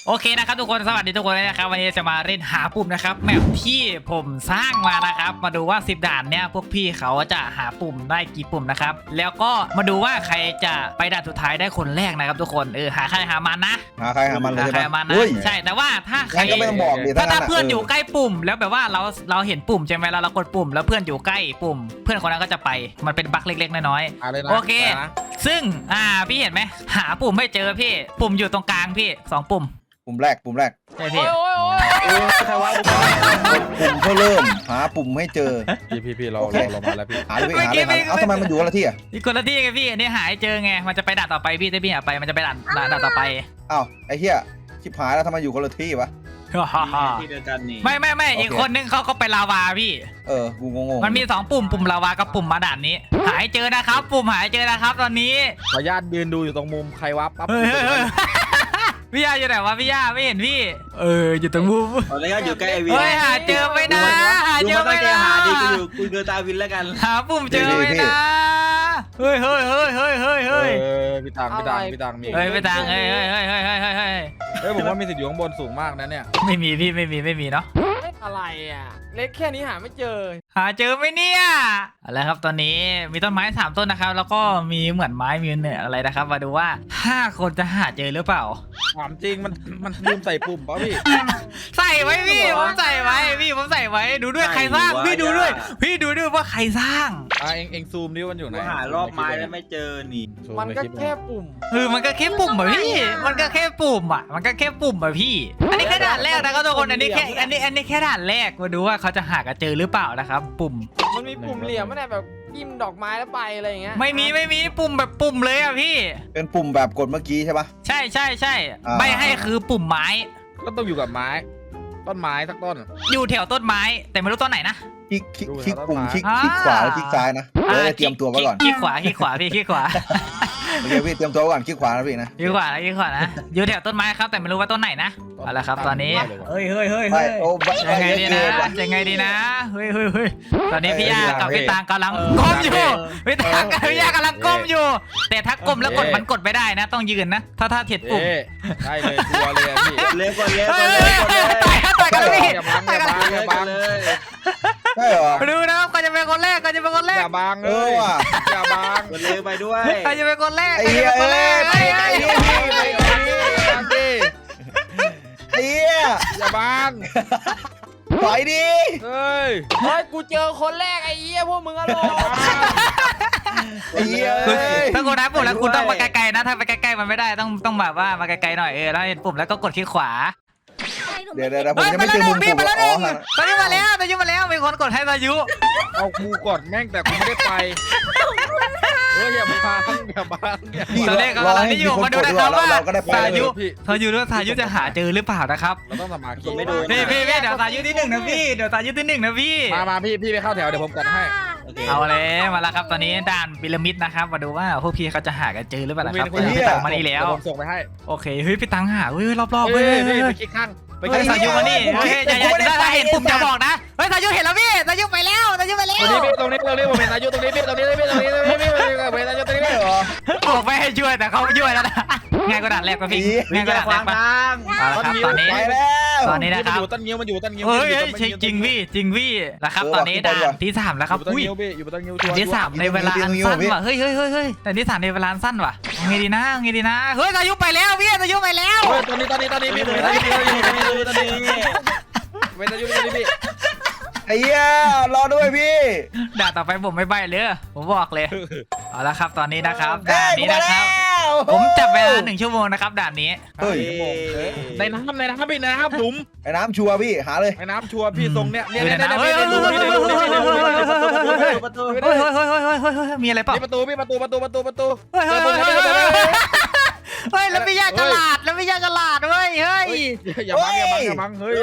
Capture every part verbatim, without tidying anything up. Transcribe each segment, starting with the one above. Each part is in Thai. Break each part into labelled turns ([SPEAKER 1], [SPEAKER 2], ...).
[SPEAKER 1] โอเคนะครับทุกคนสวัสดีทุกคนนะครับวันนี้จะมาเล่นหาปุ่มนะครับแมปที่ผมสร้างมานะครับมาดูว่าสิบด่านเนี่ยพวกพี่เขาจะหาปุ่มได้กี่ปุ่มนะครับแล้วก็มาดูว่าใครจะไปด่านสุดท้ายได้คนแรกนะครับทุกคนเออหาใครหามันนะ
[SPEAKER 2] หาใครหามันเลย
[SPEAKER 1] หาใคร
[SPEAKER 2] ใช่
[SPEAKER 1] หา
[SPEAKER 2] ปะ
[SPEAKER 1] มันนะใช่แต่ว่าถ้าใคร
[SPEAKER 2] งั้นก็ไม่ต้องบอกดิ
[SPEAKER 1] ถ้า
[SPEAKER 2] ถ้างั้
[SPEAKER 1] ถ้าน
[SPEAKER 2] อะ
[SPEAKER 1] เพื่อน
[SPEAKER 2] เออ
[SPEAKER 1] อ
[SPEAKER 2] อ
[SPEAKER 1] ยู่ใกล้ปุ่มแล้วแบบว่าเราเราเห็นปุ่มใช่ไหมเราเรากดปุ่มแล้วเพื่อนอยู่ใกล้ปุ่ม เพื่อนคนนั้นก็จะไปมันเป็นบั๊กเล็กๆน้อย
[SPEAKER 3] อะไรนะ
[SPEAKER 1] ๆโอเค
[SPEAKER 3] ะไรนะ
[SPEAKER 1] ซึ่งอ่าพี่เห็นไหมหาปุ่มไม่เจอพี่ปุ่มอยู่ตรงกลางพี่สองปุ่ม
[SPEAKER 2] ปุ่มแรกปุ่มแรก
[SPEAKER 1] ใช่พี่
[SPEAKER 3] โอ้ยโอ้ยโอ้ยใครวะ
[SPEAKER 2] ปุ่มเพื่อเริ่มหาปุ่มให้เจอ
[SPEAKER 3] พี่พี่พี่เรา
[SPEAKER 2] โอเค
[SPEAKER 3] เราเรามาแล้วพี่
[SPEAKER 2] หาเลยพี่หาเลยหาเลยเอาทำไมมันอยู่คนละที่อ่ะ
[SPEAKER 1] อีกคนละที่ไงพี่อันนี้หายเจอไงมันจะไปด่านต่อไปพี่ถ้าพี่หาไปมันจะไปด่านด่านด่านต่อไป
[SPEAKER 2] อ้าวไอ้เหี้ยชิบหายแล้วทำไมอยู่คนละที่วะ
[SPEAKER 4] ที่เดียวกันนี่
[SPEAKER 1] ไม่ไม่ไม่
[SPEAKER 2] โอเค
[SPEAKER 1] อีกคนนึงเขาก็ไปลาวาพี่
[SPEAKER 2] เออกูงงๆ
[SPEAKER 1] มันมีสองปุ่มปุ่มลาวากับปุ่มมาด่านนี้ หายเจอนะครับ ปุ่มหายเจอนะครับตอนนี้
[SPEAKER 3] ขออนุญาตยืนดูอยู่ตรงมุมใครวะปั๊บ
[SPEAKER 1] เฮ้ยเฮ้ยเฮ้ยพี่ย่าอยู่ไหนวะพี่ย่าไม่เห็นพี่ เอออยู่ตรงมุม
[SPEAKER 4] ตอนนี้ก็อยู่ใกล้ไอวิน
[SPEAKER 1] เฮ้ยหาเจอไม่นะหา
[SPEAKER 4] ดู
[SPEAKER 1] เจอ
[SPEAKER 4] มาตั้
[SPEAKER 1] ไม่
[SPEAKER 4] งใจ
[SPEAKER 1] นะ
[SPEAKER 4] หาดีกูอยู่กูเดินตามวินแล้วกัน
[SPEAKER 1] หาปุ่มเจอไม่นะเฮ้ยเฮ้ยเฮ้ยเฮ้ยเฮ้ย
[SPEAKER 3] เอ
[SPEAKER 1] เฮ้ย
[SPEAKER 3] อพี่ตังพี่ตังพี่ตังมี
[SPEAKER 1] เฮ้ยไปทางเฮ้ยเฮ้ยเฮ้ยเฮ้ยเฮ้ยเฮ้ยเฮ้ย
[SPEAKER 3] เฮ้ยผมว่ามีสิทธิ์อยู่ข้างบนสูงมากนะเนี่ย
[SPEAKER 1] ไม่มีพี่ไม่มีไม่มีเนาะ
[SPEAKER 5] ไม่อะไรอ่ะ เล็กแค่นี้หาไม่เจอ
[SPEAKER 1] หาเจอไหมเนี่ยอะไรครับตอนนี้มีต้นไม้สามต้นนะครับ แล้วก็มีเหมือนไม้มีเนี่ยอะไรนะครับ มาดูว่าห้าคนจะหาเจอหรือเปล่า
[SPEAKER 3] ถามจริงมันมันลืมใส่ปุ่มป่ะพี่
[SPEAKER 1] ใส่ไว้พี่ผมใส่ไว้พี่ผมใส่ไว้ดูด้วยใครสร้างพี่ดูด้วย พี่ดูด้วยว่าใครสร้าง
[SPEAKER 3] อ่ะเองเองซูมดิมันอยู่ไหน
[SPEAKER 4] กูหารอบไม้แล้วไม่เจอนี่
[SPEAKER 3] ซู
[SPEAKER 5] มัน
[SPEAKER 3] ใน
[SPEAKER 5] ก็
[SPEAKER 3] ลิป
[SPEAKER 5] แค่ปุ่ม
[SPEAKER 1] เออมันก็แค่ปุ่มอะพี่มันก็แค่ปุ่มอะมันก็แค่ปุ่มอะพี่ อันนี้แค่ด่านแรกนะครับทุกคนอันนี้แค่อันนี้อันนี้แค่ด่านแรกมาดูว่าเขาจะหากันเจอหรือเปล่านะครับ ปุ่ม
[SPEAKER 5] มันมีปุ่มเหลี่ยมไม่ได้แบบจิ้มดอกไม้แล้วไปอะไรอย่างเงี้ย
[SPEAKER 1] ไม่มีไม่มีปุ่มแบบปุ่มเลยอะพี่
[SPEAKER 2] เป็นปุ่มแบบกดเมื่อกี้ใช่ปะ
[SPEAKER 1] ใช่ใช่ใช่
[SPEAKER 2] อ่า
[SPEAKER 1] ใบให้คือปุ่มไม้
[SPEAKER 3] ก็ต้องอยู่กับไม้ ต้นไม้สักต้น
[SPEAKER 1] อยู่แถวต้นไม้แต่ไม่รู้ต้นไหนนะ
[SPEAKER 2] คลิกคลิก
[SPEAKER 3] ดู
[SPEAKER 2] คลิก
[SPEAKER 3] แล้ว
[SPEAKER 2] ปุ่ม
[SPEAKER 3] ต้นไม้
[SPEAKER 2] คลิก
[SPEAKER 1] อ่า
[SPEAKER 2] คลิกขวาแล้วคลิกซ้ายนะเดี๋ยวจะเตรียมตัวไว้ก่อน
[SPEAKER 1] คลิกขวาคลิกขวาพี่คลิกขวา
[SPEAKER 2] โอเคพี่เตรียมตัวไว้ก่อนคลิกขวานะพี่นะ
[SPEAKER 1] คลิกขวานะคลิกขวานะอยู่แถวต้นไม้ครับแต่ไม่รู้ว่าต้นไหนนะเอาละครับตอนนี้เฮ้ยเฮ้ยเฮ้ย
[SPEAKER 2] ไป
[SPEAKER 1] เฮ้ย
[SPEAKER 2] โอ้ใบใบ
[SPEAKER 1] ยังไง
[SPEAKER 2] เย
[SPEAKER 1] ดี
[SPEAKER 2] อะ
[SPEAKER 1] นะ
[SPEAKER 2] เกินว่ะ
[SPEAKER 1] ยังไงดีนะเฮ้ยเฮ้ยเฮ้ยตอนนี้พี่ย่า
[SPEAKER 2] เอ้ย
[SPEAKER 1] กับ
[SPEAKER 2] พี่
[SPEAKER 1] พี่
[SPEAKER 2] ตั
[SPEAKER 1] ตาง งกำลัง
[SPEAKER 3] เออ
[SPEAKER 1] ก้มอยู่
[SPEAKER 3] เออ
[SPEAKER 1] พี่ตางกับพี่ย่ากำลังก้มอยู่ แต่ถ้าก้มแล้วกด
[SPEAKER 3] เออ
[SPEAKER 1] มันกดไม่ได้นะ ต้องยืนนะ ถ้าถ้าเถียดปุ่ม
[SPEAKER 3] เอ๊ะได้เลยกลัวเลยอะพี่
[SPEAKER 4] เร็วกว่าเร็ว
[SPEAKER 1] เฮ้
[SPEAKER 4] กว่าย เร็วกว่าเร็ว
[SPEAKER 1] ต่อยต่อยกันเลยพี่
[SPEAKER 3] อย่าบังอย่าบังอย่าบัง
[SPEAKER 4] เลย
[SPEAKER 2] ใช่เหรอ
[SPEAKER 1] ดูนะครับใครจะเป็นคนแรกใครจะเป็นคนแร
[SPEAKER 3] อก ย่าบัง
[SPEAKER 2] เอ
[SPEAKER 3] เล
[SPEAKER 2] อยว่ะ
[SPEAKER 3] อย่าบัง
[SPEAKER 4] กดเร็วไปด้วย
[SPEAKER 1] ใครจะเป็นคนแรก
[SPEAKER 2] ไอ้
[SPEAKER 1] ใคร
[SPEAKER 2] เหี้
[SPEAKER 1] จะ
[SPEAKER 2] ย
[SPEAKER 1] เป็นคนแรก
[SPEAKER 2] เอ้ย
[SPEAKER 1] เฮ้ย
[SPEAKER 2] ไป
[SPEAKER 1] เฮ้ย
[SPEAKER 2] ไป
[SPEAKER 3] ไปไปไป
[SPEAKER 2] ไอ้เหี้ย
[SPEAKER 3] อย่าบัง
[SPEAKER 2] ถอยดิ
[SPEAKER 3] เฮ้ย
[SPEAKER 5] เฮ้ยกูเจอคนแรกไอ้เหี้ยพวกมึงอะโล
[SPEAKER 2] ไอ้เหี้ย
[SPEAKER 1] คุณ
[SPEAKER 2] เอ้ย
[SPEAKER 1] ถ้าคุณนับปุ่มแล้วคุณต้องมาไกลๆนะ ถ้าไปใกล้ๆมันไม่ได้ต้องต้องแบบว่ามาไกลๆหน่อยเออแล้วเห็นปุ่มแล้วก็กดคลิกขวา
[SPEAKER 2] เดี๋ยวเดี๋ยวเดี๋ยวผม
[SPEAKER 1] เฮ้ย
[SPEAKER 2] จะ
[SPEAKER 1] มา
[SPEAKER 2] ไม่
[SPEAKER 1] แล้ว
[SPEAKER 2] เจอ
[SPEAKER 1] ห
[SPEAKER 2] มุ
[SPEAKER 1] นึ่
[SPEAKER 2] ม
[SPEAKER 1] งพี่
[SPEAKER 2] ปุ่ม
[SPEAKER 1] มาแล้วห
[SPEAKER 2] อ๋
[SPEAKER 1] นึ่
[SPEAKER 2] อง
[SPEAKER 1] ตอนนี้มาแล้วตอนนี้มาแล้วมีคนกดให้สายุ
[SPEAKER 3] เอากูกดแม่งแต่กูไม่ได้ไปเฮ้ยอย่าบังอย่าบังอย่า
[SPEAKER 2] พี่
[SPEAKER 1] ตอนแรก
[SPEAKER 2] ร
[SPEAKER 1] กำ
[SPEAKER 2] อ
[SPEAKER 1] ลัง
[SPEAKER 2] ให้
[SPEAKER 1] นี่อ
[SPEAKER 2] มี
[SPEAKER 1] ยู่
[SPEAKER 2] คน
[SPEAKER 1] มาดู
[SPEAKER 2] กด
[SPEAKER 1] นะ
[SPEAKER 2] ดี
[SPEAKER 1] ค
[SPEAKER 2] ก
[SPEAKER 1] รั
[SPEAKER 2] ว่า
[SPEAKER 1] บ
[SPEAKER 2] เรา
[SPEAKER 1] ว่า
[SPEAKER 2] เราก็ได้ไป
[SPEAKER 1] สา
[SPEAKER 2] เล
[SPEAKER 1] ยุ
[SPEAKER 2] ย
[SPEAKER 3] พี่
[SPEAKER 1] สายุด้วยสายุจะหาเจอหรือเปล่านะครับ
[SPEAKER 3] เราต้องสมาธิ
[SPEAKER 4] ไม่โดน
[SPEAKER 1] พี่พี่พี่เดี๋ยวสายุที่หนึ่งนะพี่เดี๋ยวสายุที่หนึ่งนะพี่
[SPEAKER 3] มามาพี่พี่ไปเข้าแถวเดี๋ยวผมกดให้
[SPEAKER 4] โอเค
[SPEAKER 1] เอาเลยมาแล้วครับตอนนี้ด่านพีระมิดนะครับมาดูว่าพวกพี่เขาจะหากันเจอหรือเปล่านะครับ
[SPEAKER 3] คุณ
[SPEAKER 1] พี่ตังมานี่แล้ว
[SPEAKER 3] เดี๋ยผมส่งไปให้
[SPEAKER 1] โอเคเฮ้ยพี่ตังหาเฮ้ยรอบๆ
[SPEAKER 3] เฮ้
[SPEAKER 1] เฮ้
[SPEAKER 3] ย
[SPEAKER 1] ย
[SPEAKER 3] เฮ้
[SPEAKER 1] เฮ้
[SPEAKER 3] ย
[SPEAKER 1] ย
[SPEAKER 3] ไป
[SPEAKER 1] เฮ้ย
[SPEAKER 3] คลิกข้างไปค
[SPEAKER 1] เฮ้
[SPEAKER 3] ลิ
[SPEAKER 1] ย
[SPEAKER 3] ก
[SPEAKER 1] สายุมานี่เฮ้ยอย่าอย่าถ้าเห็นปุ่มอย่าบอกนะเฮ้ยสายุเห็นแล้วพี่สายุไปแล้วสายุไปแล้ว
[SPEAKER 3] ตรงนี้พี่ตรงนี้ตรงนี้ผมเห็นอายุตรงนี้พี่ตรงนี้พี่ตรงนี้ตรงนี้พี่ผมเห็นอายุตรงนี้พี่
[SPEAKER 2] เหรอ
[SPEAKER 1] บอกไม่ให้ช่วยแต่เขาช่วยแล้วนะง่ายกว่าด่านแรกป่ะพี่
[SPEAKER 2] อี
[SPEAKER 1] ง่ายกว่าด่าน
[SPEAKER 4] ข
[SPEAKER 1] แร
[SPEAKER 4] วาก ง
[SPEAKER 1] ป่ะ
[SPEAKER 4] ทาง
[SPEAKER 1] เอาละครับตอนนี้
[SPEAKER 2] ไปแล้ว
[SPEAKER 1] ตอนนี้นะครับ
[SPEAKER 3] มันอยู่ต้นงิ้วมันอยู่ต้นงิ้ว
[SPEAKER 1] เฮ้ยจริงพี่จริงพี่นะครับตอนนี้ด่านที่สามแล้วครับ
[SPEAKER 3] อยู่ต้น
[SPEAKER 1] อุ้ย
[SPEAKER 3] งิ้วพี่อยู่ต้นงิ้ว
[SPEAKER 1] ด่านที่สามในเวลาอันสั้นว่ะเฮ้ยเฮ้ยเฮ้ยเฮ้ยแต่ที่สามในเวลาอันสั้นว่ะไงดีนะไงดีนะเฮ้ยสายุไปแล้วพี่สายุไปแล้ว
[SPEAKER 3] เฮ้ยตอนนี้ตอนนี้ตอนนี้พี่ผมเห็นอายุตรงนี้ตรงนี้ตรงนี้เป็นอายุตรงนี้พี่
[SPEAKER 2] ไอ้เหี้ยรอด้วยพี่
[SPEAKER 1] ด่านต่อไปผมไม่ใบเลยผมบอกเลยเอาละครับตอนนี้นะครับ
[SPEAKER 2] เอ้
[SPEAKER 1] ด่าน
[SPEAKER 2] ย
[SPEAKER 1] นี้นะครับ
[SPEAKER 2] กู
[SPEAKER 1] ผม
[SPEAKER 2] มาแล้ว
[SPEAKER 1] จับเวลาหนึ่งชั่วโมงนะครับด่านนี้
[SPEAKER 2] เฮ้ย
[SPEAKER 3] ในน้ำในน้ำพี่ในน้ำหลุม
[SPEAKER 2] ไอ้น้ำชัวร์พี่หาเลย
[SPEAKER 3] ในน้ำชัวร์พี่ทรงเนี้ยเนี่ยเนี่ย
[SPEAKER 1] เฮ้ย
[SPEAKER 3] เนี่ย
[SPEAKER 1] เฮ้ย
[SPEAKER 3] พี่
[SPEAKER 1] เฮ้ย
[SPEAKER 3] ดู
[SPEAKER 1] เฮ้ย
[SPEAKER 3] พี่ดูพี่ดูพี่ดู
[SPEAKER 4] ประตู
[SPEAKER 1] เฮ้ยเฮ้ยเฮ้ยเฮ้ยเฮ้ยเฮ้ยเฮ้ยมีอะไรเปล่า
[SPEAKER 3] นี่ประตูพี่ประตูประตูประตูประตู
[SPEAKER 1] เฮ้ยเฮ้ยเฮ้ยเฮ้ยเฮ้ยเฮ้ยแล้วพี่ยาฉลาดแล้วพี่ยาฉลาดเว้ยเฮ้ย
[SPEAKER 3] อย่าบังอย่าบังอย่าบังเฮ้ย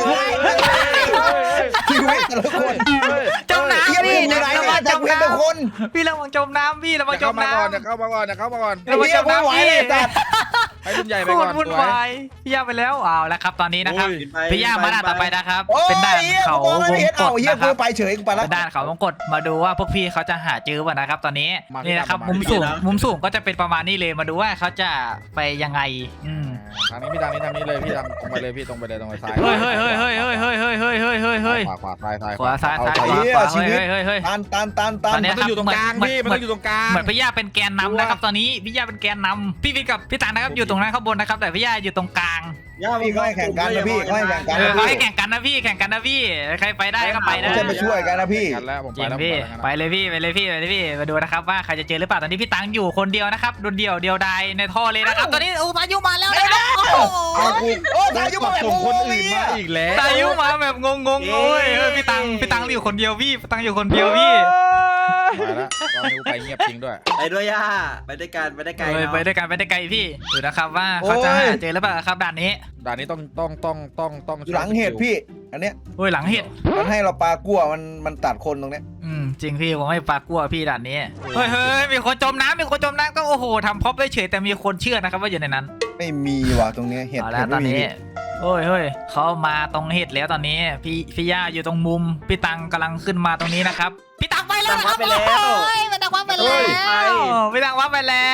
[SPEAKER 2] ชีวิตแต่ละคน
[SPEAKER 1] จม
[SPEAKER 2] เหี้ย
[SPEAKER 1] น้ำ
[SPEAKER 2] พี่
[SPEAKER 1] พี่
[SPEAKER 2] มือไหน
[SPEAKER 1] ระ
[SPEAKER 2] เนี่
[SPEAKER 1] วั
[SPEAKER 2] ย
[SPEAKER 1] ง
[SPEAKER 2] แต่
[SPEAKER 1] จม
[SPEAKER 2] กูเห็นเป็นคน
[SPEAKER 1] น้ำพี่ระวังจมน้ำพี่ระวังจ
[SPEAKER 3] เข้าม มา
[SPEAKER 1] น้ำ
[SPEAKER 3] ก่อนอย่าเข้ามาก่อนอย่าเข้ามาก่อน
[SPEAKER 1] ระวังจมน้ำพี่
[SPEAKER 3] ให้รุ่นใหญ่ไป
[SPEAKER 1] โค
[SPEAKER 3] ก่
[SPEAKER 1] ต
[SPEAKER 3] อ
[SPEAKER 1] ร
[SPEAKER 3] น
[SPEAKER 1] วุ่นวายพี่ยาไปแล้วเอาแล้วครับตอนนี้นะครับ
[SPEAKER 3] โอ้ย
[SPEAKER 1] พี่ยามาด่านต่อไปนะครับ
[SPEAKER 2] โอ้ย
[SPEAKER 1] เป็นด่าน
[SPEAKER 2] เหี้ย
[SPEAKER 1] เขา
[SPEAKER 2] กูมองไม่
[SPEAKER 1] วง
[SPEAKER 2] เห็น
[SPEAKER 1] ก
[SPEAKER 2] เอ้า
[SPEAKER 1] ด
[SPEAKER 2] เหี้ย
[SPEAKER 1] นะค
[SPEAKER 2] กู
[SPEAKER 1] รับ
[SPEAKER 2] ไปเฉยกูไปแล้ว
[SPEAKER 1] เป็นด่านเขาวงกดมาดูว่าพวกพี่เขาจะหาเจอป่ะนะครับ ตอนนี้นี่นะครับมุมสูงมุมสูงก็จะเป็นประมาณนี้เลยมาดูว่าเขาจะไปยังไงอืม
[SPEAKER 3] ทางนี้พี่ทางนี้ทางนี้เลยพี่ทางตรงไปเลยพี่ตรงไปเลยตรงไปซ้าย
[SPEAKER 1] เฮ้ยเฮ้ยเฮ้ยเฮ้ยเฮ้ยเฮ้ยเฮ้ยเฮ้ยเฮ้ยเฮ้ยเฮ้ย
[SPEAKER 3] ขวาขวาซ้ายซ้าย
[SPEAKER 1] ขวาซ้าย
[SPEAKER 3] เอ
[SPEAKER 1] ซ้าย
[SPEAKER 3] ใจ
[SPEAKER 1] ขวา
[SPEAKER 3] เย็น
[SPEAKER 1] ขวาเฮ้ยเฮ้ยเฮ้ยเฮ้ย
[SPEAKER 2] ตันตันตันตัน
[SPEAKER 1] ตอนเนี้
[SPEAKER 3] มันต้องอยู่ตรงกลางพี่มันต้องอยู่ตรงกลาง
[SPEAKER 1] เหมือนพี่ย่าเป็นแกนนำนะครับตอนนี้พี่ย่าเป็นแกนนำพี่วิกับพี่ตังนะครับอยู่ตรงนั้นข้างบนนะครับแต่พี่ย่าอยู่ตรงกลาง
[SPEAKER 4] ย่า
[SPEAKER 2] พี่ก็ให้แข่งกันนะพี่ก็ให้แข่งกัน
[SPEAKER 1] เออ
[SPEAKER 2] นะ
[SPEAKER 1] เขา
[SPEAKER 2] พี่
[SPEAKER 1] ให้แข่งกันนะพี่แข่งกันนะพี่ใครไปได้ก็ไปนะ
[SPEAKER 2] ไม่ใช่มาช่วยกันนะพี่
[SPEAKER 3] กันแล้วผม
[SPEAKER 1] จ
[SPEAKER 3] ไป
[SPEAKER 1] ริง
[SPEAKER 3] แล้ว
[SPEAKER 1] พี่
[SPEAKER 3] ผม
[SPEAKER 1] ไป
[SPEAKER 3] ไปแล้ว
[SPEAKER 1] เลยพี่ไปเลยพี่ไปเลยพี่มาดูนะครับว่าใครจะเจอหรือเปล่าตอนนี้พี่ตังอยู่คนเดียวนะครับโดนเดียวเดียวดายในท่อเลยนะครับตอนนี้โอ้พายุมาแล้วนะครับโอ้โห
[SPEAKER 2] เอากูโอ้ตายยุมาแบบ
[SPEAKER 3] ส่ง
[SPEAKER 2] ง
[SPEAKER 3] คน
[SPEAKER 2] ง
[SPEAKER 3] อื่น
[SPEAKER 2] ๆ
[SPEAKER 3] มา
[SPEAKER 2] อ่ะ
[SPEAKER 3] อีกแล้ว
[SPEAKER 1] พายุมาแบบงงงๆโอ้ยเออพี่ตังพี่ตังอยู่คนเดียวพี่พี่ตังอยู่คนเดียวพี่
[SPEAKER 3] ไปแล้วตอนนี้กูไปเงียบจริงด้วย
[SPEAKER 4] ไปด้วยย่าไปด้วยกันไปได้ไกล
[SPEAKER 1] เออ
[SPEAKER 4] เนาะ
[SPEAKER 1] ไปด้วยกันไปได้ไกลพี่ดูนะครับว่าเขาจะหาเจอหรือเปล่าครับด่านนี้
[SPEAKER 3] ด่านนี้ต้องต้องต้องต้องต้อง
[SPEAKER 2] อยู่หลังเห็ดพี่ อันเนี้ย
[SPEAKER 1] โอ้ยหลังเห็ด
[SPEAKER 2] มันให้เราปลากั่วมันมันตัดคนตรงเนี้ย
[SPEAKER 1] อืมจริงพี่ผมไม่ปากกลัวพี่ด่านนี้เฮ้ยเฮ้ยมีคนจมน้ำมีคนจมน้ำก็โอ้โหทำพ็อปได้เฉยแต่มีคนเชื่อนะครับว่าอยู่ในนั้น
[SPEAKER 2] ไม่มีว่ะตรงเนี้ยเห็ด
[SPEAKER 1] เอาแล้
[SPEAKER 2] เห็
[SPEAKER 1] ว
[SPEAKER 2] ด
[SPEAKER 1] ตอน
[SPEAKER 2] ไม่มี
[SPEAKER 1] นี้โอ้ยเฮ้ยเขามาตรงเห็ดแล้วตอนนี้พี่พี่ย่าอยู่ตรงมุมพี่ตังกำลังขึ้นมาตรงนี้นะครับพี่ตังไปแล้วนะครับ
[SPEAKER 4] ไปแล้ว
[SPEAKER 1] โอ้ยพี่ตังว่าไปแล้วพี่ตังว่าไปแล้ว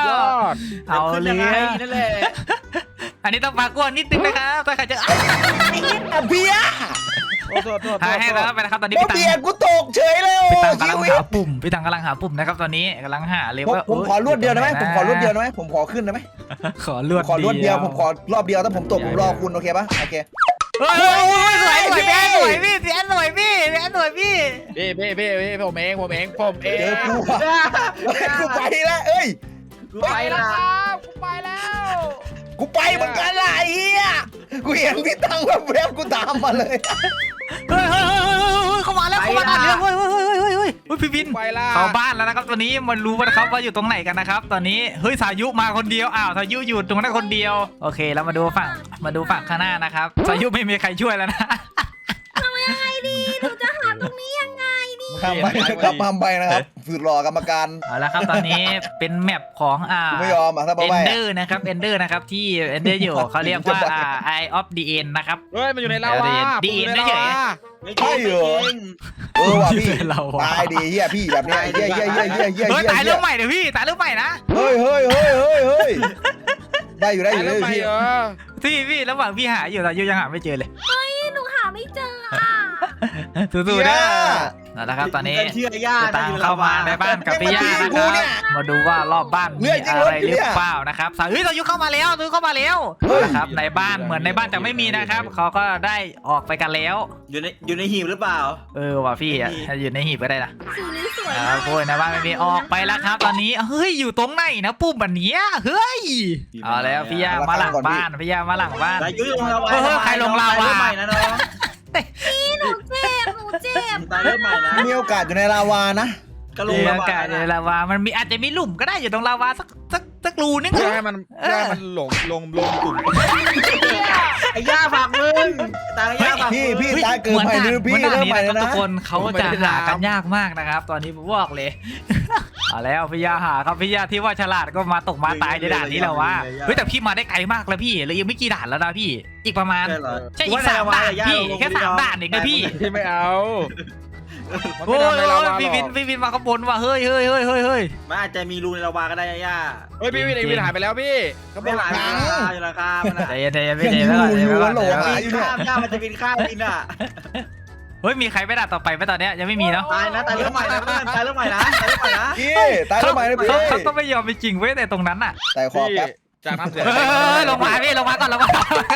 [SPEAKER 3] ยอด
[SPEAKER 1] เอา
[SPEAKER 4] ขึ้น
[SPEAKER 1] เล
[SPEAKER 4] ยังไง
[SPEAKER 1] ย
[SPEAKER 4] นั่นแหละ
[SPEAKER 1] อันนี้ต้องปากกลัวนิดนึงนะครับถ้าใครจะ
[SPEAKER 2] อ่ะเบียร์
[SPEAKER 3] โอ้โทษโทษ
[SPEAKER 1] หาให้แล้วไปนะครับตอนนี้
[SPEAKER 2] โอ้
[SPEAKER 1] พี่ตัง
[SPEAKER 2] เบียร์กูตกเฉยเลย
[SPEAKER 1] พี่
[SPEAKER 2] โอ้
[SPEAKER 1] ตังกำ
[SPEAKER 2] ชี
[SPEAKER 1] ลัง
[SPEAKER 2] วิต
[SPEAKER 1] หาปุ่มพี่ตังกำลังหาปุ่มนะครับตอนนี้กำลังหาเลย
[SPEAKER 2] ผม
[SPEAKER 1] ว่า
[SPEAKER 2] ผมขอรวดเดียวได้ไหมผมขอรวดเดียวได้ไหมผมขอขึ้นได้ไหม
[SPEAKER 1] ขอรวด
[SPEAKER 2] ขอรวดเดียวผมขอรอบเดียวถ้าผมตกผมรอคุณโอเคปะโอเค
[SPEAKER 1] เฮ้ยสวยสวยพี่สวยพี่พี่สวยพี่พี่สวยพี่
[SPEAKER 3] พี่พี่พี่พี่ผมเองผมเองผมเอ
[SPEAKER 2] เจอง กูอ่ะเฮ้ยกูไปแล้วเอ้ย
[SPEAKER 4] กู
[SPEAKER 5] ไป
[SPEAKER 4] ไป
[SPEAKER 5] แล้
[SPEAKER 4] ละ
[SPEAKER 5] วครับกูไปแล้ว
[SPEAKER 2] กูไปเหมือนกันล่ะไอ้เหี้ยกูเห็นพี่ตั้งแบบแบบกูตามมาเลย
[SPEAKER 1] เฮ้ยเฮ้ยเฮ้ยเข้ามาแล้วเข้ามาบ้านแล้วเฮ้ยเฮ้ยเฮ้ยเฮ้ยเฮ้ยเฮ้ยพี่บิน
[SPEAKER 3] ไปละ
[SPEAKER 1] เข้าบ้านแล้วนะครับตอนนี้มันรู้นะครับว่าอยู่ตรงไหนกันนะครับตอนนี้เฮ้ยสายุมาคนเดียวอ้าวสายุอยู่ตรงนั้นคนเดียวโอเคแล้วมาดูฝั่งมาดูฝั่งข้างหน้านะครับสายุไม่มีใครช่วยแล้วนะ
[SPEAKER 6] ทำยังไงดีหนูจะหาตรงนี้ยังไงดี
[SPEAKER 2] ทำไปนะครับทำไปนะครับฝืนรอกรรมการ
[SPEAKER 1] เอาละครับตอนนี้เป็นแมปของอ่า
[SPEAKER 2] กูไม่ยอมอ่ะถ้า
[SPEAKER 1] เอ
[SPEAKER 2] บ้าน ไป
[SPEAKER 1] เดอร์นะครับเอนเดอร์นะครับที่เอนเดอร์อยู่เขาเรียกว่าอ่า Eye of the End นะครับ
[SPEAKER 3] เฮ้ยมันอยู่ในลาวา
[SPEAKER 1] ดี
[SPEAKER 3] ผมอยู่ใน
[SPEAKER 1] เฉย
[SPEAKER 3] ลาวา
[SPEAKER 4] ไม่จริงไม่จริง
[SPEAKER 2] เออว่ะพี่
[SPEAKER 1] เราอะ
[SPEAKER 2] ตายดีเฮียพี่แบบเนี้ยเฮียเฮียเฮียเฮียเฮีย
[SPEAKER 1] เฮ้ย
[SPEAKER 2] เฮีย
[SPEAKER 1] ตายเรื่องใหม่เดี๋ยวพี่ตายเรื่องใหม่นะ
[SPEAKER 2] เฮ้ยเฮ้ยเฮ้ยเฮ้ยเฮ้ยได้อยู่ได้อยู่ได้
[SPEAKER 3] แล้ว
[SPEAKER 2] อยู่
[SPEAKER 3] ไป
[SPEAKER 2] พี่
[SPEAKER 3] เหรอ
[SPEAKER 1] พี่พี่ระหว่างพี่หาอยู่สายุยังหาไม่เจอเลย
[SPEAKER 6] พี่หนูหาไม่เจออ่ะ
[SPEAKER 1] สู้ๆนะนั่นแหละครับตอนนี้
[SPEAKER 4] เชื่อย่า
[SPEAKER 1] จะตามเข้ามาในบ้านกับพี่ย่านะครับมาดูว่ารอบบ้านมีอะไรหรือเปล่านะครับสาวเฮ้ยสายุเข้ามาแล้วสายุเข้ามาแล้วนะครับในบ้านเหมือนในบ้านจะไม่มีนะครับเขาก็ได้ออกไปกันแล้ว
[SPEAKER 4] อยู่ในอยู่ในหีบหรือเปล่า
[SPEAKER 1] เออว่ะพี่อ่ะอยู่ในหีบก็ได้นะ
[SPEAKER 6] สีนี้สวย
[SPEAKER 1] อ่าม
[SPEAKER 6] าก
[SPEAKER 1] โอ้ยในบ้านไม่มีออกไปแล้วครับ ตอนนี้เฮ้ยอยู่ตรงไหนนะปุ่มแบบนี้เฮ้ยเอาแล้วพี่ย่ามาหลังบ้านพี่ย่ามาหลังบ้าน
[SPEAKER 4] สายยุ้ยลงลาวา
[SPEAKER 1] เฮ้ยใครลงลาวา
[SPEAKER 4] ตยเริ่มใหม่นะน้อง
[SPEAKER 6] พี่หนูเจ็บหนูเจ็บ
[SPEAKER 4] ตายเริ่มใหม่นะ
[SPEAKER 2] มีโอกาสอยู่ในลาวานะ
[SPEAKER 4] ก็ลง
[SPEAKER 1] เรีย
[SPEAKER 4] ลาก วา
[SPEAKER 1] าศในลาวามันมีอาจจะมีหลุมก็ได้อยู่ตรงลาวาสักสักสักรูนึง
[SPEAKER 3] เพื่อให้มันเพื่อให้มันหลงลงลงกลุ่ม
[SPEAKER 4] ไอ้ย่าฝากมึงตายย่าฝาก
[SPEAKER 2] พี่
[SPEAKER 4] มึง
[SPEAKER 2] พี่
[SPEAKER 1] เฮ้ย
[SPEAKER 2] ตายเกินไป
[SPEAKER 1] เหมื
[SPEAKER 2] หรือ
[SPEAKER 1] อน
[SPEAKER 2] พี่
[SPEAKER 1] ด่าน
[SPEAKER 2] เริ่ม
[SPEAKER 1] นี้
[SPEAKER 2] ใหม่
[SPEAKER 1] นะค
[SPEAKER 2] แล้
[SPEAKER 1] รับ
[SPEAKER 2] ว
[SPEAKER 1] ทุ
[SPEAKER 2] นะ
[SPEAKER 1] กคนเขาจะหากันยากมากนะครับ ตอนนี้ผมบอกเลย เอาแล้วพี่ยาหาครับพี่ยาที่ว่าฉลาดก็มาตกมาตายในด่านนี้แล้ววะเฮ้ยแต่พี่มาได้ไกลมากแล้วพี่เหลยยังไม่กี่ด่านแล้วนะพี่ อีกประมาณ
[SPEAKER 4] ใช่เหรอ
[SPEAKER 1] ใช่อีกสามด่านพี่แค่สามด่านเองนะพี่
[SPEAKER 3] ที่ไม่เอามัน
[SPEAKER 1] โอ้
[SPEAKER 3] ไม่
[SPEAKER 1] ย
[SPEAKER 3] ทำในลาวาหร
[SPEAKER 1] พี่วิน
[SPEAKER 3] อก
[SPEAKER 1] พี่วินมาข้างบนว่ะเฮ้ยเฮ้ยเฮ้ยเฮ้ยเฮ้ย
[SPEAKER 4] มันอาจจะมีรูในลาวาก็ได้ย่า
[SPEAKER 3] เฮ้ยพี่วินไอวินหายไปแล้วพี่เขาบ
[SPEAKER 4] ไม่
[SPEAKER 3] อก
[SPEAKER 4] หลาย
[SPEAKER 3] หา
[SPEAKER 4] ราคาอยู่ราคามันอ่ะ
[SPEAKER 1] ใจเย็นใจเย็นพี่
[SPEAKER 2] ยัง
[SPEAKER 1] เย็น
[SPEAKER 2] อยู่
[SPEAKER 1] ไว้ก่อน
[SPEAKER 2] อยู่
[SPEAKER 1] เดี๋ยว
[SPEAKER 2] ฮัลโหล
[SPEAKER 1] ก่อน
[SPEAKER 2] หาอยู่เนี่ย
[SPEAKER 4] ข้ามย่ามันจะบินข้ามบินอ่ะ
[SPEAKER 1] เฮ้ยมีใครไม่ด่านต่อไปไหมตอนเนี้ยยังไม่มีเนาะ
[SPEAKER 4] ตายนะตายเริ่มใหม่นะเพื่อนตายเริ่มใหม่นะตายเริ่มใหม่นะ
[SPEAKER 2] พี่ตายทำไมนะพี่
[SPEAKER 1] เขาเขาก็ไม่ยอมไปจริงเว้ยแต่ตรงนั้นอ่ะ
[SPEAKER 2] แต่ขอ
[SPEAKER 3] พี่
[SPEAKER 2] แป๊บ
[SPEAKER 3] จากน้ำเสีย
[SPEAKER 1] เฮ้ยลงมาพี่ลงมาก่อนลงมา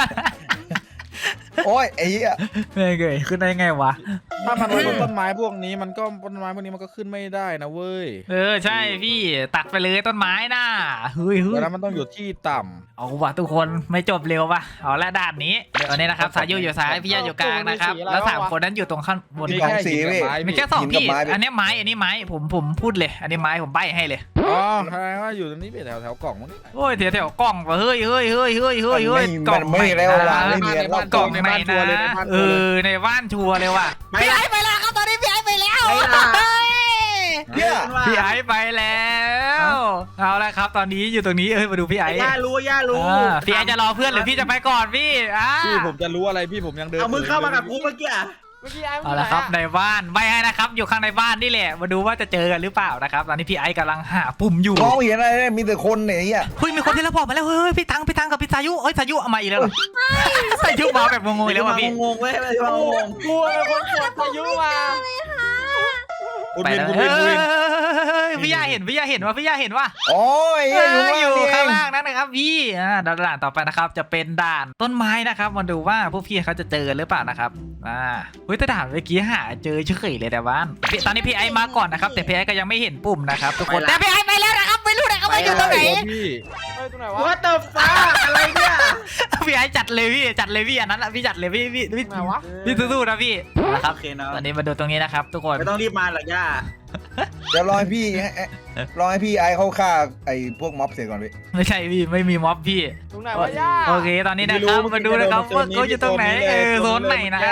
[SPEAKER 2] โอ้ยไอ้เหี้ย
[SPEAKER 1] ไม่เกยขึ้นได้ไงวะ
[SPEAKER 3] ถ้ามันบนต้นไม้พวกนี้มันก็ต้นไม้พวกนี้มันก็ขึ้นไม่ได้นะเว้ย
[SPEAKER 1] เออใช่พี่ตัดไปเลยต้นไม้น่ะเฮ้ยเฮ้ย
[SPEAKER 3] แล้วมันต้องอยู่ที่ต่
[SPEAKER 1] เอาว่ะทุกคนไม่จบเร็วป่ะเอาละด่านนี้ตอนนี้นะครับสายยูอยู่ซ้ายพี่ยาอยู่กลางนะครับแล้วสามคนนั้นอยู่ตรงข้างบน
[SPEAKER 3] ำ
[SPEAKER 2] มีของสีพี่
[SPEAKER 1] มีแค่สอง
[SPEAKER 2] หินกับ
[SPEAKER 1] พี่
[SPEAKER 2] ไม้พี่
[SPEAKER 1] อันนี้ไม้อันนี้ไม้ผมผมพูดเลย อันนี้ไม้ผมใบ้ให้เลย
[SPEAKER 3] อ๋อแสดงว่าอยู่ตรงนี้เป็นแถวแถวกล่องมั้งนี่
[SPEAKER 1] โอ้ยแถวแถวกล่องว่ะเฮ้ยเฮ้ยเฮ้ยเฮ้ยเฮ้ยเฮ้ย
[SPEAKER 2] มัน
[SPEAKER 1] กล่อง
[SPEAKER 2] ไม่แล้ว
[SPEAKER 1] นะ
[SPEAKER 2] ล่ะไม่มีแล้ว
[SPEAKER 1] กล่องไหนนะเออในบ้านชัวร์เลยว่ะพี่ไอ้ไปแล้วครับตอนนี้พี่ไอ้ไปแล้ว
[SPEAKER 2] เนี่ย
[SPEAKER 1] พี่ไอ้ไปแล้วเอาละครับ ตอนนี้อยู่ตรงนี้เอ้ยมาดูพี่ไอ้
[SPEAKER 4] ย่ารู้ย่ารู้
[SPEAKER 1] อ่าพี่ไอ้จะรอเพื่อนหรือพี่จะไปก่อนพี่อ่า
[SPEAKER 3] พี่ผมจะรู้อะไรพี่ผมยังเดิน
[SPEAKER 4] เอามึงเข้ามากับกูเมื่อกี้
[SPEAKER 3] ไ
[SPEAKER 5] มื่อกี้ไอ้
[SPEAKER 1] เอาละครับในบ้านไม่ให้นะครับอยู่ข้างในบ้านนี่แหละมาดูว่าจะเจอกันหรือเปล่านะครับตอนนี้พี่ไอ้กำลังหาปุ่มอยู่
[SPEAKER 2] มองเห็นอะไรเนี่ยมีแต่คนเนี่ยไอ้เหี้ย
[SPEAKER 1] เฮ้ยมีคนที่เราบอกมาแล้วเฮ้ยพี่ตังพี่ตังกับพี่สายุเอ้ยสายุเอามาอีกแล้วเหรอสายุมาแบบงงๆแล้วว่ะพี่
[SPEAKER 4] งงๆเว้ยไม่ได้มางง
[SPEAKER 5] กลัวเป็นคนกดพายุมา
[SPEAKER 3] คุณ
[SPEAKER 1] ไป
[SPEAKER 3] วิน
[SPEAKER 1] แล้ว
[SPEAKER 3] คุณ
[SPEAKER 1] เฮ้
[SPEAKER 3] วินคุณวิน
[SPEAKER 1] ยพี่ยาเห็นพี่ยาเห็นว่าพี่ยาเห็นว่า
[SPEAKER 2] โอ้ย
[SPEAKER 1] เอ
[SPEAKER 2] เหี้ยอยู่
[SPEAKER 1] อ
[SPEAKER 2] ข้าง
[SPEAKER 1] อยู่
[SPEAKER 2] ล่างนี่เอง
[SPEAKER 1] ข้างล่างนั่นนะครับพี่อ่าด่านต่อไปนะครับจะเป็นด่านต้นไม้นะครับมาดูว่าพวกพี่เขาจะเจอหรือเปล่านะครับอ่าเฮ้ยแต่ด่านเมื่อกี้หาเจอเฉยเลยแต่บ้านพี่ตอนนี้พี่ไอมาก่อนนะครับแต่พี่ไอก็ยังไม่เห็นปุ่มนะครับทุกคนแต่พี่ไอไปแล้วนะครับไม่รู้นะครับว่าอยู่ตรงไหน
[SPEAKER 3] โอ้พี่
[SPEAKER 5] เฮ้ยตรงไหน
[SPEAKER 4] ๆ
[SPEAKER 5] วะ
[SPEAKER 4] What the fuck อะไรเนี่ย
[SPEAKER 1] พี่ไอจัดเลยพี่จัดเลยพี่อันนั้นอะพี่จัดเลยพี่พี่พี่
[SPEAKER 5] ตรงไหนวะ
[SPEAKER 1] พี่สู้ๆนะพี่นะครับ
[SPEAKER 4] โอเคเนาะ
[SPEAKER 1] ตอนนี้มาดูตรงนี้นะครับทุกคน
[SPEAKER 4] ไม่ต้องรีบมาหรอกย่า
[SPEAKER 2] เดี๋ยวรอให้พี่ให้ให้รอให้พี่ไอ้เขาฆ่าไอ้พวกม็อบเสร็จก่อนพี่
[SPEAKER 1] ไม่ใช่พี่ไม่มีม็อบพี่
[SPEAKER 5] ตรงไหนวะย่า
[SPEAKER 1] โอเคตอนนี้นะครับมาดูนะครับว่าเขาอยู่ตรงไหนเออโซนไหนนะ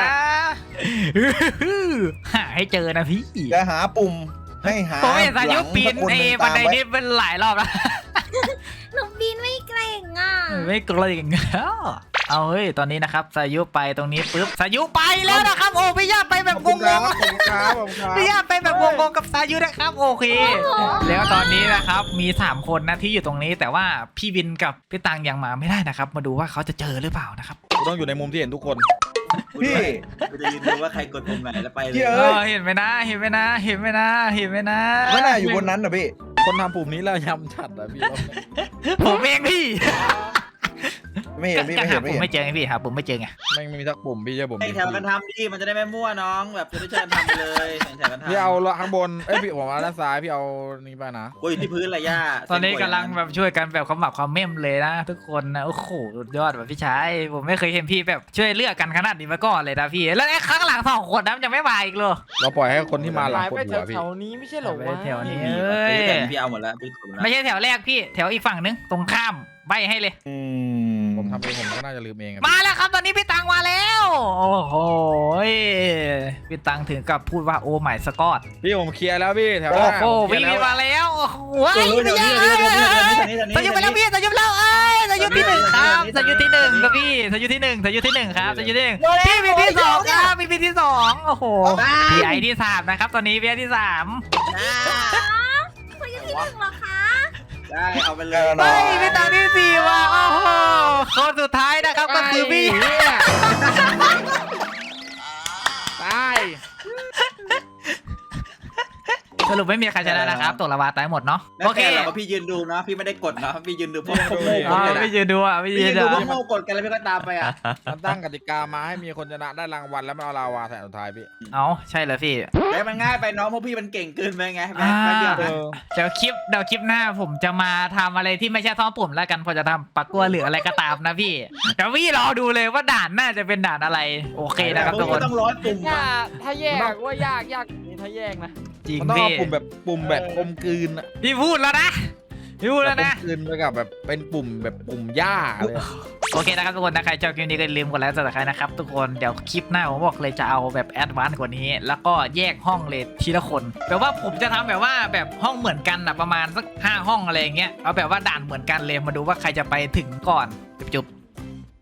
[SPEAKER 1] หาให้เจอนะพี่
[SPEAKER 2] จะหาปุ่มให้หา
[SPEAKER 1] ผมเห็นสายุปีน
[SPEAKER 2] หลัง
[SPEAKER 1] ไอ้
[SPEAKER 2] สักค
[SPEAKER 1] บันได
[SPEAKER 2] หงตามว้
[SPEAKER 1] นี้เป็นหลายรอบแล้ว
[SPEAKER 6] หนูบินไม่เกรงอ่ะ
[SPEAKER 1] ไม่กลัวอย่างเงี้ยเอาเฮ้ยตอนนี้นะครับสายุไปตรงนี้ปุ๊บสายุไปแล้วนะครับโอ้พี่ย่าไปแบบงง
[SPEAKER 3] ขอบคุณครับขอบคุณครับ
[SPEAKER 1] ๆพี่ย่าไปแบบงงๆกับสายุนะครับโอเค แล้วตอนนี้นะครับมีสามคนนะที่อยู่ตรงนี้แต่ว่าพี่วินกับพี่ตังยังมาไม่ได้นะครับ มาดูว่าเขาจะเจอหรือเปล่านะครับ
[SPEAKER 3] กูต้องอยู่ในมุมที่เห็นทุกคน
[SPEAKER 2] พี่
[SPEAKER 4] กูจะยืนดูว่าใครกดปุ่มไหนแล้วไปเลย
[SPEAKER 2] เหี้ย
[SPEAKER 1] เออเห็นไหมนะเห็นไหมนะเห็นไหมนะเห็นไหมนะ
[SPEAKER 2] ไม่น่าอยู่บนนั้นนะพี่
[SPEAKER 3] คนทำปุ่มนี้แล้วยำฉัดอะพี่
[SPEAKER 1] ผมเองพี่
[SPEAKER 2] ไม่เห็นพี่
[SPEAKER 1] ก็
[SPEAKER 2] ไม่
[SPEAKER 1] หา
[SPEAKER 2] เห็นไม่
[SPEAKER 1] ผม
[SPEAKER 2] เห็น
[SPEAKER 1] ไม่เจอไงพี่หาผมไม่เจอไง
[SPEAKER 3] ไม่ไม่มีสักปุ่มพี่เชื่อผม
[SPEAKER 4] ให้แถวกันทำดิมันจะได้ไม่มั่วน้องแบบจะได้ช่วยกันทำไปเลยแถวกันทำ
[SPEAKER 3] พี่เอาละข้างบนเอ้ยพี่ผมเอาด้านซ้ายพี่เอานี่ไปนะ
[SPEAKER 4] กูอยู่ที่พื้นเลยย่า
[SPEAKER 1] ตอนนี้กำลังแบบช่วยกันแบบความหมักความเม่มเลยนะทุกคนนะโอ้โหสุดยอดแบบพี่ชายผมไม่เคยเห็นพี่แบบช่วยเลือกกันขนาดนี้มาก่อนเลยนะพี่แล้วไอ้ข้างหลังสองคนนั้นยังไม่มาอีกเลย
[SPEAKER 3] เราปล่อยให้คนที่มาหลัง
[SPEAKER 5] หาย
[SPEAKER 3] ก
[SPEAKER 5] ไป
[SPEAKER 3] ดหัวพี่
[SPEAKER 5] แถวๆนี้ไม่ใช่เหรอวะ
[SPEAKER 1] แถวนี้
[SPEAKER 4] พี่
[SPEAKER 1] เอ้ย
[SPEAKER 4] พี่เอาหมดแล้วพี่กดหมดแล้ว
[SPEAKER 1] ไม่ใช่แถวแรกพี่แถวอีกฝั่งนึงตรงข้ามใบให้เลย
[SPEAKER 2] อื
[SPEAKER 3] ผมทำเองผมก็น่าจะลืมเองอะ
[SPEAKER 1] มาแล้วครับตอนนี้พี่ตังมาแล้วโอ้โหพี่ตังถึงกับพูดว่าโอ้ไม่สกอต
[SPEAKER 3] พี่ผมเคลียร์แล้วพี่แถวห
[SPEAKER 1] โอ้
[SPEAKER 3] น้า
[SPEAKER 1] โห
[SPEAKER 3] ผมเคลี
[SPEAKER 1] วิ่
[SPEAKER 3] ย
[SPEAKER 1] ง
[SPEAKER 3] ร์แล้ว
[SPEAKER 1] มาแล้วโอ้โห
[SPEAKER 4] เออเดี๋ยวนี้เดี๋ยวนี้เดี๋ยวนี้เดี๋ยวนี้เดี๋ยวนี้
[SPEAKER 1] สยุไปแล้วพี่สยุไปแล้วเอ้ยสยุที่หนึ่งครับสยุที่หนึ่งครับพี่สยุที่หนึ่งสยุที่หนึ่งครับสยุที่หนึ่งพี่มีที่สองครับมีที่สองโอ้โหพี่ไอที่สามนะครับตอนนี้พี่ไอที่สาม
[SPEAKER 6] เขาอยู่ที่หนึ่งเหรอคะ
[SPEAKER 4] ได้เอาไปเล
[SPEAKER 2] แก
[SPEAKER 4] ย
[SPEAKER 2] นอ
[SPEAKER 1] เฮ้ย
[SPEAKER 2] น
[SPEAKER 1] พี่ตังที่สี่ว่ะโอ้โหคนสุดท้ายนะครับก็คือพี่
[SPEAKER 3] ไอ้เหี้ยตาย
[SPEAKER 1] สรุปไม่มีใครชนะนะครับตกละวาตายหมดเนาะ
[SPEAKER 4] แล้ว
[SPEAKER 1] โอเค
[SPEAKER 4] แค่เราพี่ยืนดูนะพี่ไม่ได้กดนะพี่ยืนดูพวกพวกโง่
[SPEAKER 1] อ๋อ
[SPEAKER 4] กัน
[SPEAKER 1] ไม่ยืนดูอ่ะไม่
[SPEAKER 4] พี่
[SPEAKER 1] ยื
[SPEAKER 4] ยื
[SPEAKER 1] น
[SPEAKER 4] น
[SPEAKER 1] ดู
[SPEAKER 4] ดูพวกโง่กดกันแล้วพี่ก็ตามไปอ่ะ
[SPEAKER 3] มันตั้งกติกามาให้มีคนชนะได้รางวัลแล้วมันเอาลาวาใส่สุดท้ายพี่
[SPEAKER 1] เอ้าใช่เหรอพี่
[SPEAKER 4] แล้วมันง่ายไปน้องพวกพี่มันเก่งเกินไปไง
[SPEAKER 1] อ่า
[SPEAKER 4] แป๊บเดียว
[SPEAKER 3] เอ
[SPEAKER 4] นะ
[SPEAKER 3] อ
[SPEAKER 1] เดี๋ยวคลิปเดี๋ยวคลิปหน้าผมจะมาทำอะไรที่ไม่ใช่ท่อปุ่มแล้วกันพอจะทำปักกัวหรืออะไรก็ตามนะพี่เดี๋ยวพี่รอดูเลยว่าด่านน่าจะเป็นด่านอะไรโอเคนะครับ
[SPEAKER 4] พ
[SPEAKER 1] ทุ
[SPEAKER 4] ว
[SPEAKER 1] ก
[SPEAKER 4] ก
[SPEAKER 1] ค
[SPEAKER 4] พี่
[SPEAKER 1] น
[SPEAKER 4] ต้องร้อยปุ่ม
[SPEAKER 5] ย่า
[SPEAKER 4] อ่ะ
[SPEAKER 5] ถ้าแยกว่ายากยากนี่ถ้าแยกนะ
[SPEAKER 1] จริง
[SPEAKER 3] มันต้อง
[SPEAKER 1] พี่
[SPEAKER 3] เอาปุ่มแบบปุ่มแบบกลมกลืนอะ
[SPEAKER 1] พี่พูดแล้วนะพี่พูดแล้วนะ
[SPEAKER 3] กลมกลืนไปกับแบบเป็นปุ่มแบบปุ่มหญ้าเลยอะ
[SPEAKER 1] โอเคนะครับทุกคนนะใครชอบคลิปนี้ก็อย่าลืมกดไลค์กดซับสไครต์นะครับทุกคนเดี๋ยวคลิปหน้าผมบอกเลยจะเอาแบบแอดวานซ์กว่านี้ แล้วก็แยกห้องเลยทีละคนแปลว่าผมจะทำแบบว่าแบบห้องเหมือนกันนะประมาณสักห้าห้องอะไรอย่างเงี้ยเอาแบบว่าด่านเหมือนกันเลยมาดูว่าใครจะไปถึงก่อนจุ๊บ